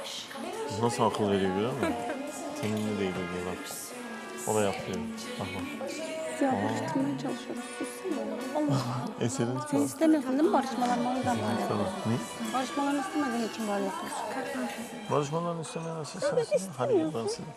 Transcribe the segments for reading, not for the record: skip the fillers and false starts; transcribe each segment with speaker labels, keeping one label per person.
Speaker 1: Nasıl akıl veriyor görüyor musun? Seninle değil o diye bak. O da yapıyor. Bak bak.
Speaker 2: Ya barıştırmaya çalışıyoruz. Sussana. Allah.
Speaker 1: Eserin
Speaker 2: Sen istemiyorsun değil mi barışmalarını? O yüzden böyle
Speaker 1: Tamam.
Speaker 2: yapıyorsun.
Speaker 1: Ne?
Speaker 2: Barışmalarını istemediğin için böyle yapıyorsun.
Speaker 1: Barışmalarını istemeyen nasıl sensin? Hadi gel ben seni.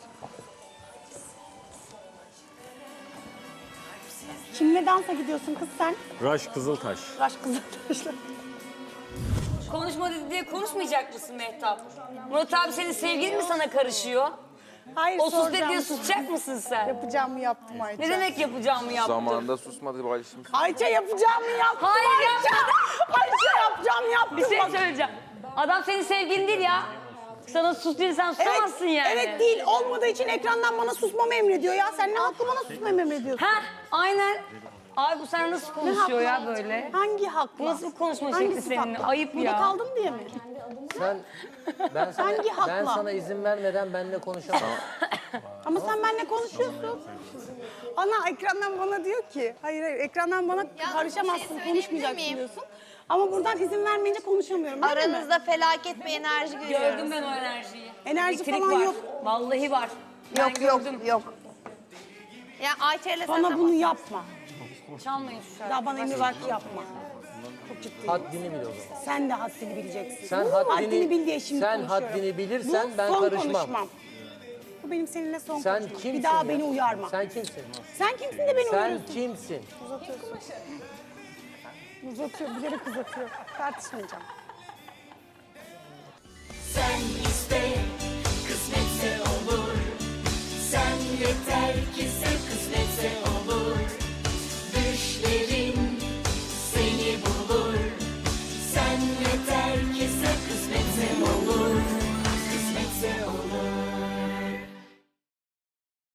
Speaker 2: Kimle dansa gidiyorsun kız sen?
Speaker 1: Raş Kızıltaş.
Speaker 2: Raş Kızıltaş'la.
Speaker 3: Konuşma dedi diye konuşmayacak mısın Mehtap? Murat abi senin sevgilin mi sana karışıyor?
Speaker 2: Hayır
Speaker 3: O sus dedi
Speaker 2: soracağım.
Speaker 3: diye susacak mısın sen?
Speaker 2: Yapacağımı yaptım Ayça.
Speaker 3: Ne demek yapacağımı yaptın?
Speaker 4: Zamanında susmadı Balişim.
Speaker 2: Ayça yapacağımı yaptım.
Speaker 3: Hayır,
Speaker 2: Ayça. Ayça yapacağımı yaptım.
Speaker 3: Bir şey
Speaker 2: Bak.
Speaker 3: söyleyeceğim. Adam senin sevgilin değil ya. Sana sus dedi sen susamazsın yani.
Speaker 2: Evet değil. Olmadığı için ekrandan bana susmamı emrediyor ya. Sen ne haklı bana susmamı emrediyorsun?
Speaker 3: Ha aynen. Abi bu sana nasıl
Speaker 2: Ne
Speaker 3: konuşuyor ya
Speaker 2: haklı?
Speaker 3: böyle?
Speaker 2: Hangi haklı?
Speaker 3: Bu nasıl bir konuşma şekli
Speaker 2: Hangisi
Speaker 3: seninle?
Speaker 2: haklı?
Speaker 3: Ayıp
Speaker 2: Burada
Speaker 3: ya.
Speaker 2: kaldım diye mi?
Speaker 5: Ben sana,
Speaker 2: Hangi hakla?
Speaker 5: ben sana izin vermeden benimle konuşamam.
Speaker 2: Ama sen benimle konuşuyorsun. Ana ekrandan bana diyor ki, hayır ekrandan bana karışamazsın, konuşmayacaksın diyorsun. Ama buradan izin vermeyince konuşamıyorum. Öyle mi?
Speaker 6: Aranızda felaket bir enerji görüyorum.
Speaker 3: Gördüm ben o enerjiyi.
Speaker 2: Enerji
Speaker 3: Elektrik
Speaker 2: falan
Speaker 3: var.
Speaker 2: yok.
Speaker 3: Vallahi var. Ben
Speaker 6: Yok yok
Speaker 3: gördüm.
Speaker 6: yok. Ya Ayça ile sen
Speaker 2: Bana
Speaker 6: de
Speaker 2: bunu
Speaker 6: bak.
Speaker 2: yapma.
Speaker 3: Çalmayın şu şarkıyı.
Speaker 2: Daha bana emir var ki yapma. Çok ciddiyim.
Speaker 5: Haddini bil o zaman.
Speaker 2: Sen de haddini bileceksin.
Speaker 5: Sen
Speaker 2: haddini bil diye şimdi
Speaker 5: sen
Speaker 2: konuşuyorum.
Speaker 5: haddini bilirsen
Speaker 2: Bu
Speaker 5: ben
Speaker 2: son
Speaker 5: karışmam.
Speaker 2: konuşmam. Bu benim seninle son
Speaker 5: Sen
Speaker 2: konuşmam.
Speaker 5: kimsin
Speaker 2: Bir daha
Speaker 5: ya?
Speaker 2: beni uyarma.
Speaker 5: Sen kimsin?
Speaker 2: Sen kimsin de beni
Speaker 5: Sen
Speaker 2: uyarıyorsun?
Speaker 5: kimsin?
Speaker 2: Uzatıyor, bilerek uzatıyor. Tartışmayacağım.